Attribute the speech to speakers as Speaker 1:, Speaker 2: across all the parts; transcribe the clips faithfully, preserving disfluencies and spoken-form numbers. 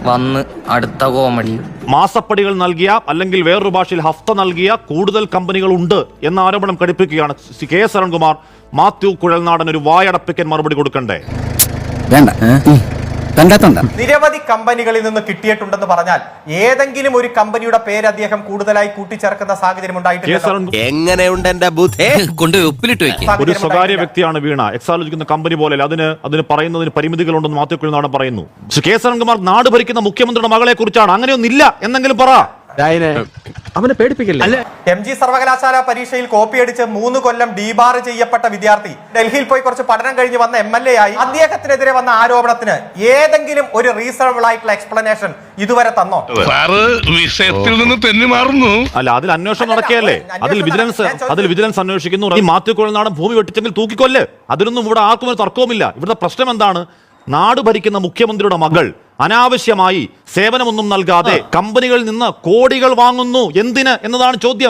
Speaker 1: വന്ന് അടുത്ത കോമഡി.
Speaker 2: മാസപ്പടികൾ നൽകിയ അല്ലെങ്കിൽ വേറൊരു ഭാഷയിൽ ഹഫ്ത നൽകിയ കൂടുതൽ കമ്പനികൾ ഉണ്ട് എന്ന ആരോപണം ഘടിപ്പിക്കുകയാണ് കെ എസ് അരുൺകുമാർ. മാത്യു കുഴൽനാടൻ ഒരു വായടപ്പിക്കൻ മറുപടി കൊടുക്കണ്ടേ?
Speaker 3: വേണ്ട,
Speaker 4: നിരവധി കമ്പനികളിൽ നിന്ന് കിട്ടിയിട്ടുണ്ടെന്ന് പറഞ്ഞാൽ ഏതെങ്കിലും ഒരു കമ്പനിയുടെ പേര് അദ്ദേഹം കൂടുതലായി കൂട്ടിച്ചേർക്കുന്ന സാഹചര്യം ഉണ്ടായിട്ടുണ്ട്.
Speaker 5: എങ്ങനെയുണ്ട് എന്റെ ബുദ്ധി കൊണ്ട് ഉപ്പിലിട്ട് വെക്കും.
Speaker 2: ഒരു സ്വകാര്യ വ്യക്തിയാണ് വീണ, എക്സാലോജിക്കുന്ന കമ്പനി പോലെ അതിന് അതിന് പറയുന്നതിന് പരിമിതികളുണ്ടെന്ന് മാത്യു കുഴൽനാടൻ പറയുന്നു. കെ എസ് അരുൺകുമാർ നാട് ഭരിക്കുന്ന മുഖ്യമന്ത്രിയുടെ മകളെ കുറിച്ചാണ്. അങ്ങനെയൊന്നില്ല എന്നെങ്കിലും പറ.
Speaker 3: അവനെ പേടിപ്പിക്കില്ല.
Speaker 4: എം ജി സർവകലാശാല പരീക്ഷയിൽ കോപ്പിയടിച്ച് മൂന്ന് കൊല്ലം ഡീബാർ ചെയ്യപ്പെട്ട വിദ്യാർത്ഥി ഡൽഹിയിൽ പോയി കുറച്ച് പഠനം കഴിഞ്ഞ് വന്ന എം എൽ എ ആയി. അദ്ദേഹത്തിനെതിരെ വന്ന ആരോപണത്തിന് ഏതെങ്കിലും ഒരു റീസണബിൾ ആയിട്ടുള്ള എക്സ്പ്ലനേഷൻ ഇതുവരെ തന്നോ?
Speaker 6: വിഷയത്തിൽ നിന്ന് തെന്നി മാറുന്നു.
Speaker 2: അല്ല, അതിൽ അന്വേഷണം നടക്കുകയല്ലേ? അതിൽ വിജിലൻസ് അതിൽ വിജിലൻസ് അന്വേഷിക്കുന്നു. ഈ മാത്യു കുഴൽനാടൻ ഭൂമി വെട്ടിച്ചെങ്കിൽ തൂക്കിക്കൊല്ല്. അതിലൊന്നും ഇവിടെ ആർക്കും ഒരു തർക്കവുമില്ല. ഇവിടുത്തെ പ്രശ്നം എന്താണ്? നാട് ഭരിക്കുന്ന മുഖ്യമന്ത്രിയുടെ മകൾ അനാവശ്യമായി സേവനമൊന്നും നൽകാതെ കമ്പനികളിൽ നിന്ന് കോടികൾ വാങ്ങുന്നു. എന്തിന് എന്നതാണ് ചോദ്യം.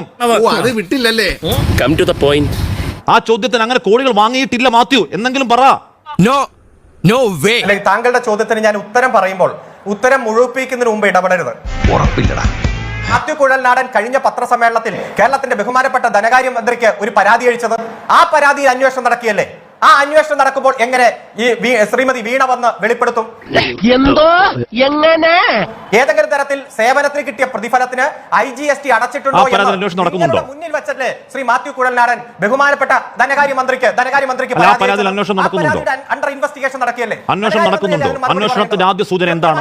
Speaker 2: ആ ചോദ്യത്തിന് അങ്ങനെ കോടികൾ വാങ്ങിയിട്ടില്ല മാത്യു എന്നെങ്കിലും പറ.
Speaker 4: താങ്കളുടെ ചോദ്യത്തിന് ഞാൻ ഉത്തരം പറയുമ്പോൾ ഉത്തരം മുഴുവിപ്പിക്കുന്നതിന് മുമ്പ് ഇടപെടരുത്.
Speaker 5: ഉറപ്പില്ലടാ.
Speaker 4: മാത്യു കുഴൽനാടൻ കഴിഞ്ഞ പത്രസമ്മേളനത്തിൽ കേരളത്തിന്റെ ബഹുമാനപ്പെട്ട ധനകാര്യമന്ത്രിക്ക് ഒരു പരാതി അയച്ചത്, ആ പരാതിയിൽ അന്വേഷണം നടക്കിയല്ലേ? ആ അന്വേഷണം നടക്കുമ്പോൾ എങ്ങനെ ഈ ശ്രീമതി വീണ വന്ന് വെളിപ്പെടുത്തും?
Speaker 7: എന്തോ എങ്ങനെ
Speaker 4: ഏതെങ്കിലും തരത്തിൽ സേവനത്തിന് കിട്ടിയ പ്രതിഫലത്തിന് ഐ ജി എസ് ടി അടച്ചിട്ടുണ്ടോ എന്ന് മുന്നിൽ വെച്ചല്ലേ ശ്രീ മാത്യു കുഴൽനാടൻ ബഹുമാനപ്പെട്ട ധനകാര്യമന്ത്രിക്ക് ധനകാര്യമന്ത്രിക്ക് അണ്ടർ ഇൻവെസ്റ്റിഗേഷൻ നടക്കിയല്ലേ?
Speaker 2: അന്വേഷണം നടക്കുന്നുണ്ടോ? അന്വേഷണത്തിന്റെ ആദ്യ സൂചന എന്താണ്?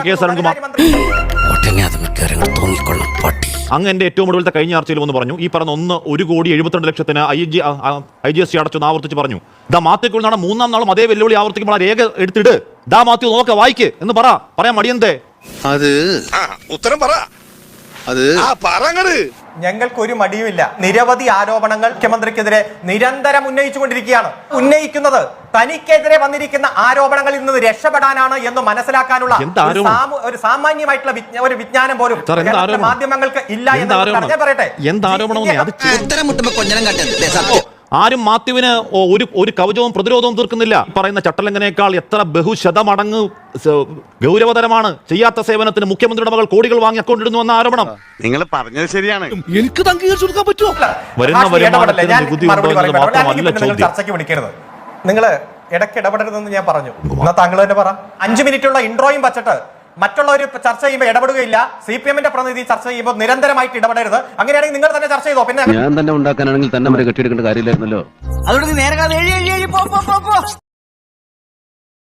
Speaker 2: അങ്ങ് എന്റെ ഏറ്റവും ഒടുവിലത്തെ കഴിഞ്ഞ ആഴ്ചയിൽ ഒന്ന് പറഞ്ഞു, ഈ പറഞ്ഞ ഒന്ന് ഒരു കോടി എഴുപത്തിരണ്ട് ലക്ഷത്തിന് I G I G S T അടച്ചു ആവർത്തിച്ച് പറഞ്ഞു. ദാ മാത്യു കുഴൽനാടൻ മൂന്നാം നാളും അതേ വെല്ലുവിളി ആവർത്തിക്കുമ്പോൾ രേഖ എടുത്തിട്. ദാ മാത്യു നോക്ക വായിക്ക് എന്ന് പറ. പറയാൻ മടിയന്തേ?
Speaker 6: അത് ഉത്തരം പറ. അത്
Speaker 4: ഞങ്ങൾക്കൊരു മടിയുമില്ല. നിരവധി ആരോപണങ്ങൾ മുഖ്യമന്ത്രിക്കെതിരെ നിരന്തരം ഉന്നയിച്ചുകൊണ്ടിരിക്കുകയാണ്. ഉന്നയിക്കുന്നത് തനിക്കെതിരെ വന്നിരിക്കുന്ന ആരോപണങ്ങളിൽ നിന്ന് രക്ഷപ്പെടാനാണ് എന്ന് മനസ്സിലാക്കാനുള്ള ഒരു സാമാന്യമായിട്ടുള്ള ഒരു വിജ്ഞാനം പോലും മാധ്യമങ്ങൾക്ക് ഇല്ല എന്ന് പറയട്ടെ.
Speaker 2: ആരും മാത്യുവിന് ഒരു ഒരു കവചവും പ്രതിരോധവും തീർക്കുന്നില്ല. പറയുന്ന ചട്ടലംഘനേക്കാൾ എത്ര ബഹുശതമടങ്ങ് ഗൗരവതരമാണ് ചെയ്യാത്ത സേവനത്തിന് മുഖ്യമന്ത്രിയുടെ മകൾ കോടികൾ വാങ്ങി അക്കൗണ്ട് ഇടുന്നു എന്ന ആരോപണം.
Speaker 6: നിങ്ങൾ പറഞ്ഞത് ശരിയാണ്.
Speaker 3: എനിക്ക് അംഗീകരിച്ചു കൊടുക്കാൻ പറ്റുമോ?
Speaker 2: വരുന്ന വരുമാനത്തിന് നികുതി ഉണ്ടോ എന്നത് മാത്രമല്ല ചോദ്യം.
Speaker 4: ചർച്ചയ്ക്ക് വിളിക്കരുത്. നിങ്ങൾ ഇടയ്ക്ക് ഇടപെടരുതെന്ന് ഞാൻ പറഞ്ഞു. എന്നാ താങ്കൾ തന്നെ പറ. അഞ്ചു മിനിറ്റുള്ള ഇൻട്രോയും വച്ചിട്ട് മറ്റുള്ളവർ ചർച്ച ചെയ്യുമ്പോൾ ഇടപെടുകയില്ല. സി പി എമ്മിന്റെ പ്രതിനിധി ചർച്ച ചെയ്യുമ്പോൾ നിരന്തരമായിട്ട് ഇടപെടരുത്. അങ്ങനെയാണെങ്കിൽ നിങ്ങൾ തന്നെ ചർച്ച ചെയ്തോ. പിന്നെ
Speaker 3: ഞാൻ തന്നെ ഉണ്ടാക്കാനാണെങ്കിൽ തന്നെ കെട്ടിയെടുക്കേണ്ട കാര്യമില്ലായിരുന്നല്ലോ.
Speaker 7: അതുകൊണ്ട് നേരെ